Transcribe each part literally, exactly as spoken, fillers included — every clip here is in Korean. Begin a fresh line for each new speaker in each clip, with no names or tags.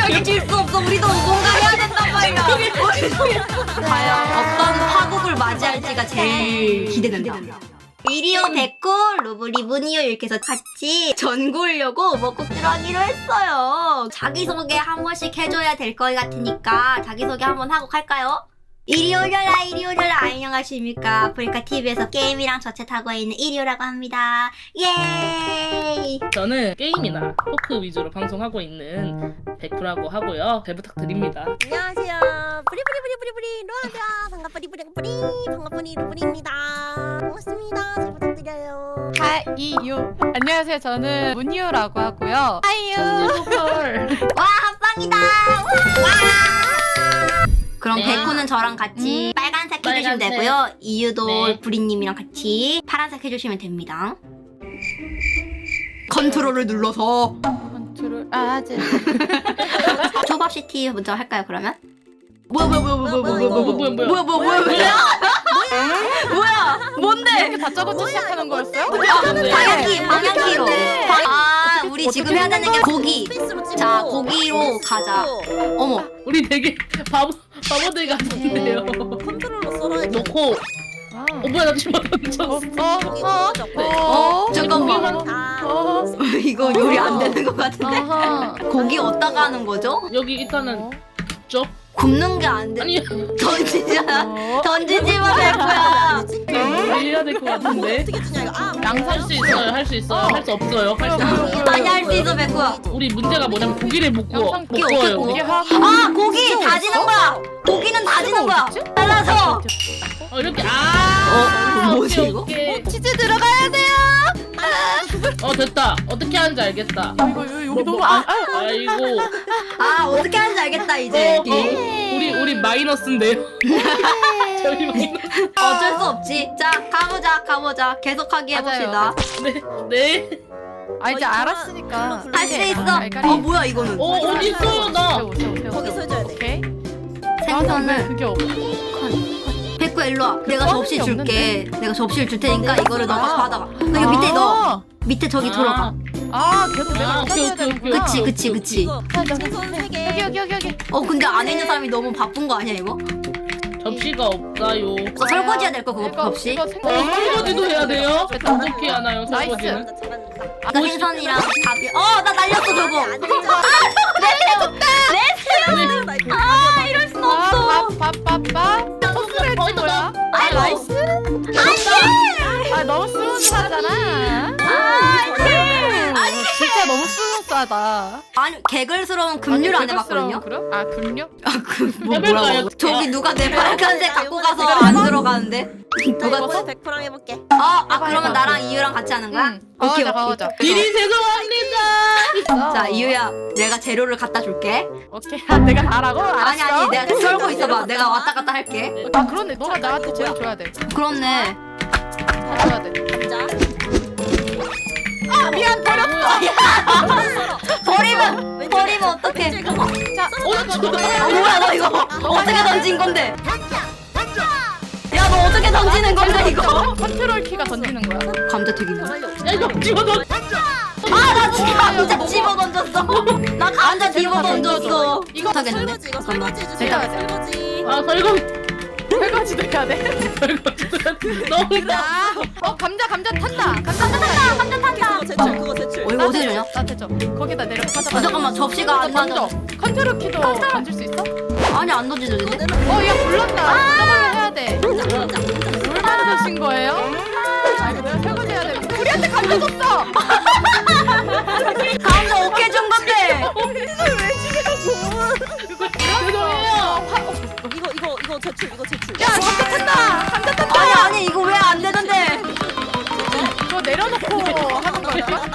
절대 질 수 없어. 우리도 뭔가 해야 된단 말이야. 과연 어떤 파국을 맞이할지가 제일 기대된다. 이리오 백골 로브리 무니오 이렇게 해서 같이 전골려고 먹국지로 하기로 했어요. 자기소개 한 번씩 해줘야 될 것 같으니까 자기소개 한번 하고 갈까요? 이리 오려라 이리 오려라. 안녕하십니까. 아프리카티비에서 게임이랑 저챗하고 있는 이리오라고 합니다. 예이.
저는 게임이나 토크 위주로 방송하고 있는 백프라고 하고요. 잘 부탁드립니다.
안녕하세요. 뿌리뿌리뿌리뿌리뿌리 로아입니다. 반갑뿌리뿌리뿌리 반갑뿌리 로브리입니다. 반갑습니다. 잘 부탁드려요.
하이유. 안녕하세요. 저는 문유라고 하고요. 하이유.
와 합방이다. 와. 그럼
네.
백호는 저랑 같이
음.
빨간색 해주시면
빨간색.
되고요. 이유도
네.
브리님이랑 같이 파란색 해주시면 됩니다. 컨트롤을 눌러서
컨트롤 아재.
초밥시티 먼저 할까요 그러면? 뭐야 뭐야 뭐야 뭐야 뭐야 뭐야
뭐야,
뭐야
뭐야, 뭐야.
뭐야 뭐야 뭐야 뭐야 뭔데?
이렇게 다짜고짜 시작하는 거였어요?
방향키 방향키로 아 우리
어떻게
지금 해야 되는 게 고기.
스페이스로 찍고
자, 고기로
스페이스로
가자.
찍고
어머
우리 되게 바보, 바보들 같은데요.
컨트롤러 썰어야 돼.
놓고
아.
어 뭐야 나 지금 던졌어.
어?
고기
어?
구워졌고.
어?
잠깐만
아,
어?
이거 요리 안 되는 것 같은데
아하.
고기 어디다가 하는 거죠?
여기 일단은
어?
쪽
굽는 게 안 돼.
아니
던지잖아.
어?
던지지 마 백호야.
해야 될 것 같은데.
어떻게 주냐 이거. 아,
할 수 있어요, 할 수 있어요, 할 수 없어요, 할 수 있어요.
많이 할 수 있어 백호야.
우리 문제가 뭐냐면 고기를 못 구워,
영상
못
고기
구워요.
어떻게
우리.
구워?
이게 하.
아 고기 다지는 거야. 고기는 다지는 거야. 잘라서.
어 이렇게 아.
어, 뭐지,
오케이,
이거?
오케이.
치즈 들어가야 돼요.
어 됐다. 어떻게 하는지 알겠다.
이거 여기, 여기 너무 아. 아.
아이고.
아 어떻게 하는지 알겠다 이제.
어, 어, 우리 우리 마이너스인데요. 저희 마이너스.
어쩔 수 없지. 자 가보자 가보자. 계속하기 해봅시다.
네, 네.
아 이제 알았으니까.
할 수 있어.
알까리.
어 뭐야 이거는.
어 어디 있어요 나?
세워, 세워, 세워,
거기서
세워.
해줘야 돼.
오케이. 왜
생선을.
그게 없어?
백호야 일로 와. 내가
어,
접시
없는데?
줄게. 내가 접시를 줄 테니까
어,
이거를
내가
너가
줘.
받아가. 여기 밑에 넣어.
아.
밑에 저기
아.
들어가.
아, 계속 내가
아, 오케이,
찾아야
오케이,
되는구나.
그치 그치 그치.
이거 생선 세 개.
여기 여기 여기 여기.
어 근데 안에 있는 사람이 너무 바쁜 거 아니야 이거?
접시가 없어요.
너 설거지 해야 될 거 그거
이거,
없이?
이거
어,
생각.
설거지도 해야 돼요? 어떻게 하나요
나이스.
설거지는?
잘한다, 잘한다.
아까 생선이랑 밥이. 어나 날렸어 저거.
안 되잖아.
아 이럴 순 없어.
밥밥밥밥. 소스를 했지 뭐야? 아 나이스. 안돼. 아 너무 스무스하잖아. 아니 진짜 너무 스무스하다.
아니 개글스러운 급류를 안 해봤거든요.
그럼? 아 급류?
뭐
해볼까요?
뭐라고? 저기 누가 내
야,
빨간색
야,
갖고
이거
가서
내가
안
해봐.
들어가는데?
누가
누가?
이거 백 프랑 해볼게.
어, 아
해봐,
그러면
해봐.
나랑 이유랑 같이 하는 거야?
응. 가보자 가보자.
미리 죄송합니다.
자 이유야, 내가 재료를 갖다 줄게.
오케이. 아, 내가 하라고? 알았어.
아니 아니, 내가 썰고 있어봐. 내가 왔다 갔다 할게.
아 그런데 너가 나한테 제일 줘야 돼.
그렇네.
다 줘야 돼.
자,
아 미안 버렸어.
버리면 버리면 어떡해?
자
어, 저도
아 뭐야 너 이거 어떻게 던진 건데? 야 너 어떻게 던지는 건데 이거?
컨트롤 키가 던지는 거야.
감자튀김.
야 이거 집어넣어.
아나 지금 감자 집어 던졌어. 나 감자 집어 던졌어.
이거
못하겠는데?
설거지 이거
잠깐만.
설거지 해주세요. 설거지.
아 설거지.
설거지도 해야 돼.
설거지. 너무
아, 어 감자 감자 탄다. 감자 탄다.
감자 탄다.
그거 제출 그거 제출.
어 이거 어떻게 주냐?
나한테 줘. 거기다 내려 가져가.
어 잠깐만 접시가 안
던져.
맞아.
컨트롤 키도 던질 수 있어?
아니 안 던지는데?
어, 야 불렀다. 저걸로 해야 돼. 물 만드신 거예요? 아, 이거 내가 설거지 해야 돼. 우리한테 감자 줬어.
감자 어깨 준 건데.
죄송해요.
이거 이거 이거 제출 이거 제출.
야, 감자 탄다. 감자 탄다.
아니 아니 이거 왜 안 되는데?
이거 내려놓고 하는 거야.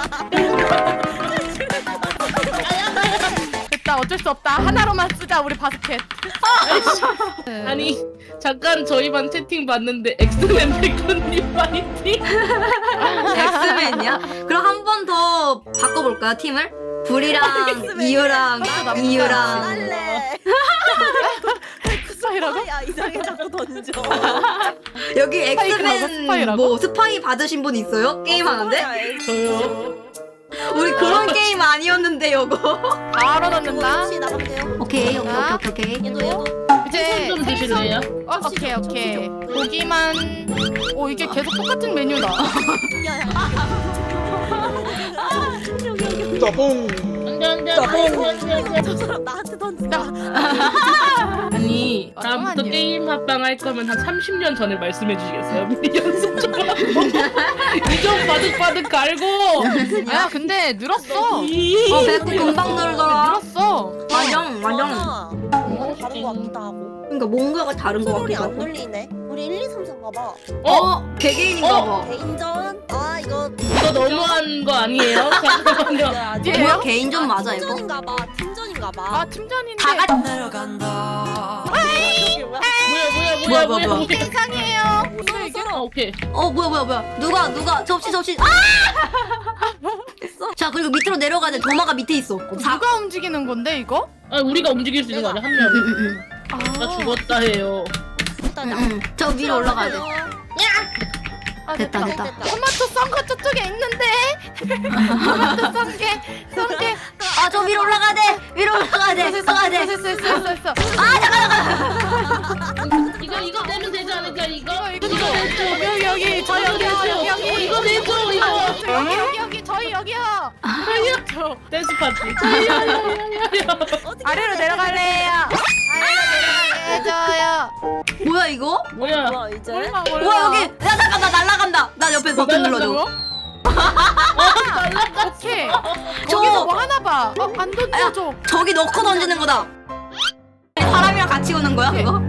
됐다. 어쩔 수 없다. 하나로만 쓰자. 우리 바스켓.
아니 잠깐 저희 반 채팅 봤는데 엑스맨 백건님 파이팅.
엑스맨이야? 그럼 한 번 더 바꿔볼까요 팀을? 불이랑 이유랑
엑스맨이야.
이유랑
할래.
스파이라고?
야 이상하게 자꾸 던져.
여기
스파이크라고?
엑스맨
스파이라고?
뭐 스파이 받으신 분 있어요? 게임 하는데?
저요.
우리 그런 게임 아니었는데 요거.
바로 넣는다.
혹시 나가면 돼요?
오케이 오케이 오케이 오케이.
얘도 얘도.
이제
좀 드실래요?
어, 오케이 오케이. 고기만. 오 이게 계속 똑같은 메뉴다.
야야.
짜뽕.
안돼 안돼 안돼.
저 사람 나한테 던진다.
아니 다음부터
잠깐만요.
게임 합방 할 거면 한 삼십 년 전에 말씀해 주시겠어요? 미리 연습 좀 하고 이좀 바득바득 갈고.
야 근데 늘었어.
이-
어 배꼽 금방 늘더라.
늘었어.
맞영 맞영.
맞아. 뭔가 다른 거 같기도 하고.
그러니까 뭔가가 다른 거
트롤이
같기도
안
하고.
눌리네. 우리 일, 이, 삼, 사인가 봐.
어 개개인인가 봐.
개인전. 아 이거
이거 너무한 거 아니에요? 잠깐만요.
아직
얘예요?
뭐야 개인전 맞아 이거?
팀전인가 봐. 팀전인가 봐.
아 팀전인데.
다 같이
이게 뭐야?
뭐야
뭐야,
뭐야 뭐야
뭐야,
뭐야.
이게 이상해요.
서로
아
서로.
오케이.
어 뭐야 뭐야 뭐야 누가 누가 접시 접시 아! 자 그리고 밑으로 내려가야 돼. 도마가 밑에 있어. 사.
누가 움직이는 건데 이거?
아 우리가 움직일 수 있는 거 아니야 한 명.
응응응.
아.
나 죽었다 해요.
일단
응. 저 위로 올라가야 돼.
아,
됐다, 됐다.
토마토 썬 거 저쪽에 있는데. 토마토 썬 게, 썬 게.
아 저 위로 올라가야 돼. 위로 올라가야 돼. 올라가야 돼.
됐어, 됐어, 됐어, 됐어.
아 잠깐
이거 이거 내면 되지 않을까 이거?
이거, 이거, 이거. 여기, 여기, 저 여기, 여기, 여기.
이거 내줘 이거.
여기, 여기, 여기, 저희 여기요. 저
댄스 파티.
아래로 내려갈래요. 아래로 내려갈래요.
뭐야 이거?
뭐야?
뭐야 이제?
몰라, 몰라.
뭐야 여기? 야 잠깐 나 날라간다. 나 옆에 버튼 눌러줘.
오케이.
저-
저기서 뭐 하나 봐. 어, 안 던져줘.
저기 넣고 던지는 거다. 사람이랑 같이 오는 거야 그거?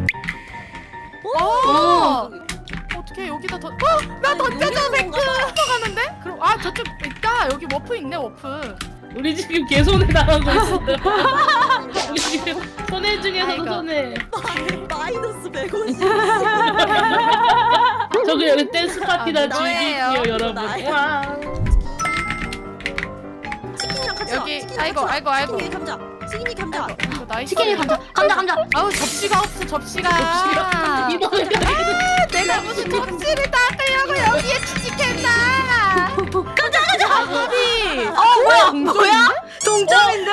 어. 어떻게 여기다 던? 어, 나 던져줘
여기
백크. 가는데? 그럼 아 저쪽 있다. 여기 워프 있네 워프.
우리 지금 개손해 나가고 있어. 우리 지금 손해 중에서도
아이고.
손해.
마이너스 백오십.
저기 여기 댄스 파티나
아, 너예요.
즐기세요 여러분.
나예요.
와.
치킨이랑 같이
여기,
와. 치킨이랑
아이고,
같이 와.
아이고, 아이고.
치킨이 감자. 치킨이 감자.
이거 나이스.
치킨이 감자 감자 감자.
아우 접시가 없어 접시가.
접시가 이거
내가 무슨 접시를 닦으려고 여기에 취직했나? 가자 가자. 방법이.
어 뭐야 뭐야? 동점인데?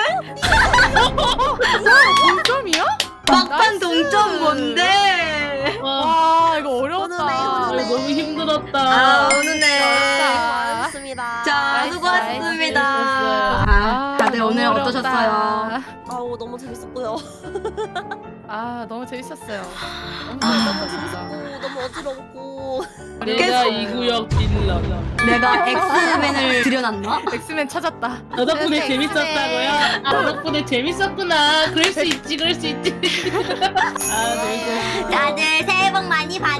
동점이야?
막판
나이스.
동점 뭔데?
와.
와 이거 어려웠다.
오늘네,
아,
오늘네.
너무 힘들었다.
아 오늘네.
고맙습니다.
자
나이스,
수고하셨습니다.
나이스.
아, 다들 오늘
너무
어떠셨어요?
아우 너무 재밌었고요.
아 너무 재밌었어요. 너무
너무
재밌었어요.
재밌었고 너무 어지럽고.
내가 이 구역 빌라.
내가 엑스맨을 들여놨나?
엑스맨 찾았다.
너 덕분에
엑스맨.
재밌었다고요? 아, 너 덕분에 재밌었구나. 그럴 수 있지, 그럴 수 있지. 아, 재밌었어.
다들 새해 복 많이 받으세요.